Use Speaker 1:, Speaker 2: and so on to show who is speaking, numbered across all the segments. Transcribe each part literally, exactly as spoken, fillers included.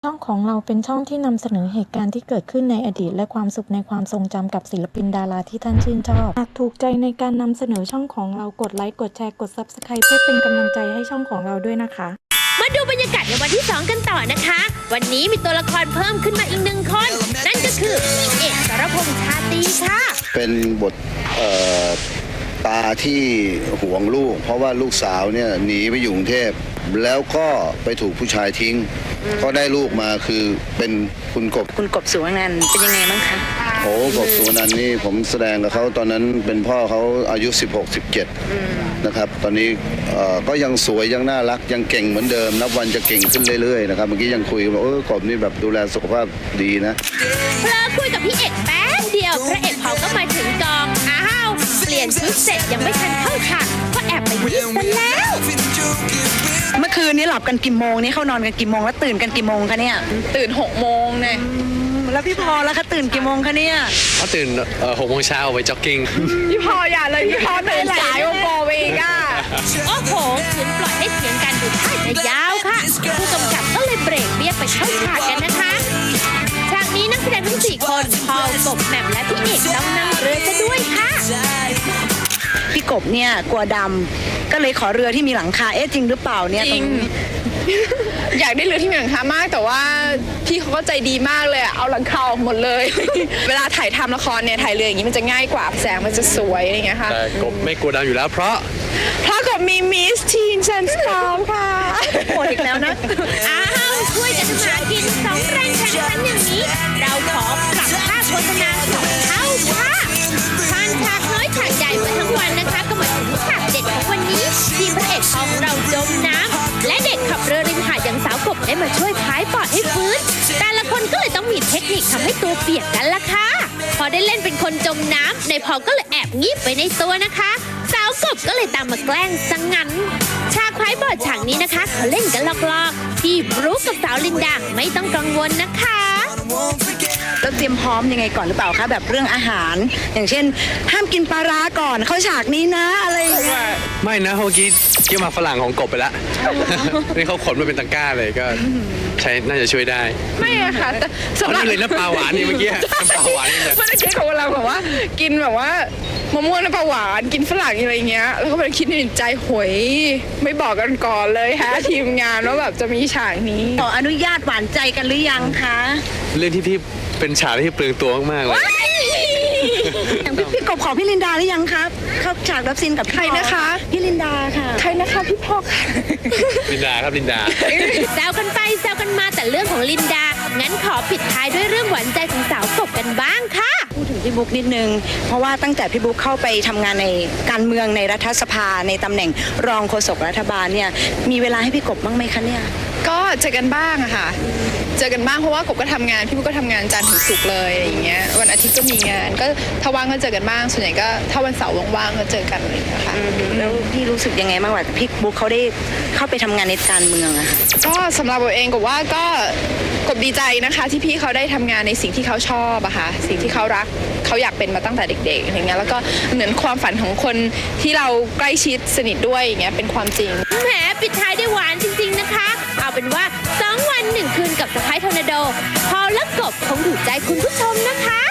Speaker 1: ช่องของเราเป็นช่องที่นำเสนอเหตุการณ์ที่เกิดขึ้นในอดีตและความสุขในความทรงจำกับศิลปินดาราที่ท่านชื่นชอบหากถูกใจในการนำเสนอช่องของเรากดไลค์กดแชร์กด ซับสไครบ์ เพื่อเป็นกำลังใจให้ช่องของเราด้วยนะคะ
Speaker 2: มาดูบรรยากาศในวันที่สองกันต่อนะคะวันนี้มีตัวละครเพิ่มขึ้นมาอีกหนึ่งคนนั่นก็คือพี่เอกสรพงษ์ชาตรีค่ะ
Speaker 3: เป็นบทตาที่ห่วงลูกเพราะว่าลูกสาวเนี่ยหนีไปอยู่กรุงเทพแล้วก็ไปถูกผู้ชายทิ้งก็ได้ลูกมาคือเป็นคุณกบ
Speaker 4: คุณกบสุวรรณันท์เป็นยังไงบ้างคะ
Speaker 3: โอ้กบสุวรรณันท์นี่ผมแสดงกับเขาตอนนั้นเป็นพ่อเขาอายุสิบหก สิบเจ็ดนะครับตอนนี้ก็ยังสวยยังน่ารักยังเก่งเหมือนเดิมนับวันจะเก่งขึ้นเรื่อยๆนะครับเมื่อกี้ยังคุยกันว่าเออกบนี่แบบดูแลสุขภาพดีนะ
Speaker 2: เพลอคุยกับพี่เอกแป๊บเดียวพระเอกเขาก็มาถึงกองอ้าวเปลี่ยนชุดเสร็จยังไม่ทันเข้าฉากก็แอบไปยิ้มซะแล้ว
Speaker 4: เมื่อคืนนี้หลับกันกี่โมงนี่เขานอนกันกี่โมงแล้วตื่นกันกี่โมงคะเนี่ย
Speaker 5: ตื่นหกโมงเนี่ย
Speaker 4: แล้วพี่พอแล้วคะตื่นกี่โมงคะเนี่ย
Speaker 6: เขาตื่นหกโมงเช้าไปจ็อกกิ้ง
Speaker 5: พี่พออย่าเลยพี่พอตื่นสายโอโกเวก้า
Speaker 2: โอ้โหขืนปล่อยให้เถียงกันดูท่าจะยาวค่ะผู้กำกับก็เลยเบรกเรียกไปเข้าฉากกันนะคะฉากนี้นักแสดงทั้งสี่คนพอลกบแหม่มและพี่เอกต้องนั่งเรือซะด้วยค่ะ
Speaker 4: พี่กบเนี่ยกลัวดำก็เลยขอเรือที่มีหลังคาเอ๊ะจริงหรือเปล่าเนี่ย
Speaker 5: จริงอยากได้เรือที่มีหลังคามากแต่ว่าพี่เขาก็ใจดีมากเลยเอาหลังคาออกหมดเลยเวลาถ่ายทำละครเนี่ยถ่ายเรืออย่างนี้มันจะง่ายกว่าแสงมันจะสวยอะไรอย่างเงี้ยค่ะ
Speaker 6: แต่กบไม่กลัวดำอยู่แล้วเพราะ
Speaker 5: เพราะกบมีมิสทีนซันสตอร์มค่ะ
Speaker 4: หมดอีกแล้วนะ
Speaker 2: อ้าวช่วยกันทำมากินสองแรงแข่งขันอย่างนี้เราขอปรับค่าโฆษณาสองเท่าค่ะผ่านฉากน้อยฉากใหญ่มาทั้งวันนะคะก็มาถึงฉากเด็ดของวันนี้ทีมพระเอกของเราจมน้ำและเด็กขับเรือริมหาดอย่างสาวกบได้มาช่วยพายปอดให้ฟื้นแต่ละคนก็เลยต้องมีเทคนิคทำให้ตัวเปียกกันล่ะค่ะพอได้เล่นเป็นคนจมน้ำในพอก็เลยแอบงีบไปในตัวนะคะสาวกบก็เลยตามมาแกล้งซะงั้นฉากพายบอดฉากนี้นะคะเขาเล่นกันลอกๆพี่บรู๊คกับสาวลินดาไม่ต้องกังวลนะคะ
Speaker 4: แล้วเตรียมพร้อมยังไงก่อนหรือเปล่าคะแบบเรื่องอาหารอย่างเช่นห้ามกินปลาร้าก่อนเข้าฉากนี้นะอะไรอย่างเงี้ย
Speaker 6: ไม่นะเมื่อกี้เกี่ยวมาฝรั่งของกบไปแล้วนี่เขาขนมาเป็นตะกร้าเลยก็ใช้น่าจะช่วยได้
Speaker 5: ไม่อะค่ะแต่
Speaker 6: สำหรับเลยน้ำปลาหวานนี่เมื่อกี้น้ำปลาหวานนี่
Speaker 5: เมื่อกี้เขาเราแบบว่ากินแบบว่ามะม่วงน้ำปลาหวานกินฝรั่งอะไรเงี้ยแล้วก็ไปคิดในใจหวยไม่บอกกันก่อนเลยฮะทีมงานว่าแบบจะมีฉากนี้
Speaker 4: ขออนุญาตหวานใจกันหรือยังคะ
Speaker 6: เรื่องที่พี่เป็นฉากที่เปลืองตัวมากๆเลย
Speaker 4: อย่างพี่พี่กบขอพี่ลินดาหรือยังครับเข้าฉากรับซีนกับ
Speaker 5: ใครนะคะ
Speaker 4: พี่ลินดาค่ะ
Speaker 5: ใครนะคะพี่พ่อค่ะ
Speaker 6: ลินดาครับลินดา
Speaker 2: แซวกันไปแซวกันมาแต่เรื่องของลินดางั้นขอปิดท้ายด้วยเรื่องหวานใจของสาวกบกันบ้างค่ะ
Speaker 4: พูดถึงพี่บุ๊กนิดนึงเพราะว่าตั้งแต่พี่บุ๊กเข้าไปทำงานในการเมืองในรัฐสภาในตำแหน่งรองโฆษกรัฐบาลเนี่ยมีเวลาให้พี่กบบ้างไหมคะเนี่ย
Speaker 5: ก็เจอกันบ้างอะค่ะเจอกันบ้างเพราะว่ากบก็ทำงานพี่บุ๊กก็ทำงานจันทร์ถึงศุกร์เลยอะไรอย่างเงี้ยวันอาทิตย์ก็มีงานก็ถ้าว่างก็เจอกันบ้างส่วนใหญ่ก็ถ้าวันเสาร์ว่างๆก็เจอกันอะไรอย่างเงี้ยค่ะ
Speaker 4: แล้วพี่รู้สึกยังไงบ้างว่าพี่บุ๊กเขาได้เข้าไปทำงานในการเมืองอะค่ะ
Speaker 5: ก็สำหรับกบเองกบว่าก็กบดีใจนะคะที่พี่เขาได้ทำงานในสิ่งที่เขาชอบอะค่ะสิ่งที่เขารักเขาอยากเป็นมาตั้งแต่เด็กๆอย่างเงี้ยแล้วก็เหมือนความฝันของคนที่เราใกล้ชิดสนิทด้วยอย่างเงี้ยเป็นความจริง
Speaker 2: แหมปิดท้ายได้หวานจริงๆนะคะเอาเป็นว่าสองวันหนึ่งคืนกับสะพ้ายทอร์นาโดพอและกบคงถูกใจคุณผู้ชมนะคะ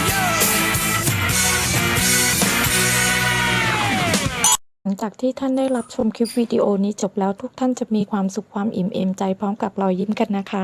Speaker 1: หลังจากที่ท่านได้รับชมคลิปวิดีโอนี้จบแล้วทุกท่านจะมีความสุขความอิ่มเอมใจพร้อมกับรอยยิ้มกันนะคะ